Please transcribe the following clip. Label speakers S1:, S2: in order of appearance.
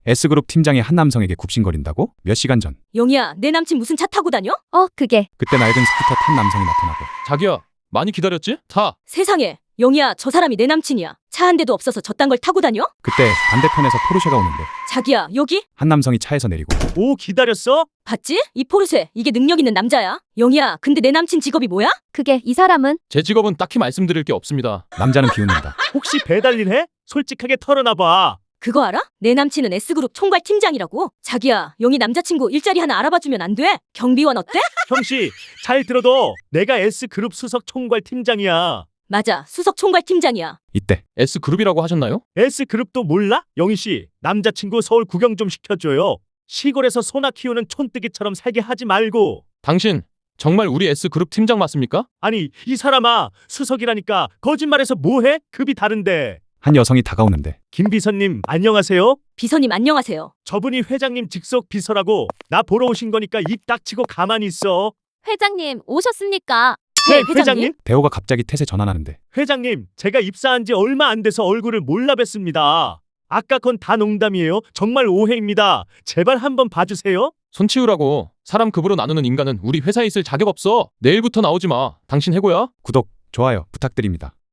S1: S그룹 팀장이 한 남성에게 굽신거린다고? 몇 시간 전.
S2: 영희야, 내 남친 무슨 차 타고 다녀?
S3: 그게
S1: 그때 낡은 스쿠터 탄 남성이 나타나고.
S4: 자기야, 많이 기다렸지? 타.
S2: 세상에, 영희야, 저 사람이 내 남친이야. 차 한 대도 없어서 저딴 걸 타고 다녀?
S1: 그때 반대편에서 포르쉐가 오는데
S2: 자기야, 여기?
S1: 한 남성이 차에서 내리고.
S5: 오, 기다렸어?
S2: 봤지? 이 포르쉐, 이게 능력 있는 남자야. 영희야, 근데 내 남친 직업이 뭐야?
S3: 그게 이 사람은
S4: 제 직업은 딱히 말씀드릴 게 없습니다.
S1: 남자는 비웃는다.
S5: 혹시 배달일 해? 솔직하게 털어놔봐.
S2: 그거 알아? 내 남친은 S그룹 총괄 팀장이라고. 자기야, 영희 남자친구 일자리 하나 알아봐주면 안 돼? 경비원 어때?
S5: 형씨, 잘 들어도 내가 S그룹 수석 총괄 팀장이야.
S2: 맞아, 수석 총괄 팀장이야.
S1: 이때
S4: S그룹이라고 하셨나요?
S5: S그룹도 몰라? 영희씨, 남자친구 서울 구경 좀 시켜줘요. 시골에서 소나 키우는 촌뜨기처럼 살게 하지 말고.
S4: 당신 정말 우리 S그룹 팀장 맞습니까?
S5: 아니, 이 사람아, 수석이라니까 거짓말해서 뭐해? 급이 다른데.
S1: 한 여성이 다가오는데
S5: 김 비서님, 안녕하세요.
S2: 비서님 안녕하세요.
S5: 저분이 회장님 직속 비서라고. 나 보러 오신 거니까 입 닥치고 가만히 있어.
S3: 회장님 오셨습니까?
S5: 네, 회장님.
S1: 대호가 갑자기 텟에 전환하는데
S5: 회장님, 제가 입사한 지 얼마 안 돼서 얼굴을 몰라 뵀습니다. 아까 건 다 농담이에요. 정말 오해입니다. 제발 한번 봐주세요.
S4: 손 치우라고. 사람 급으로 나누는 인간은 우리 회사에 있을 자격 없어. 내일부터 나오지 마. 당신 해고야?
S1: 구독, 좋아요 부탁드립니다.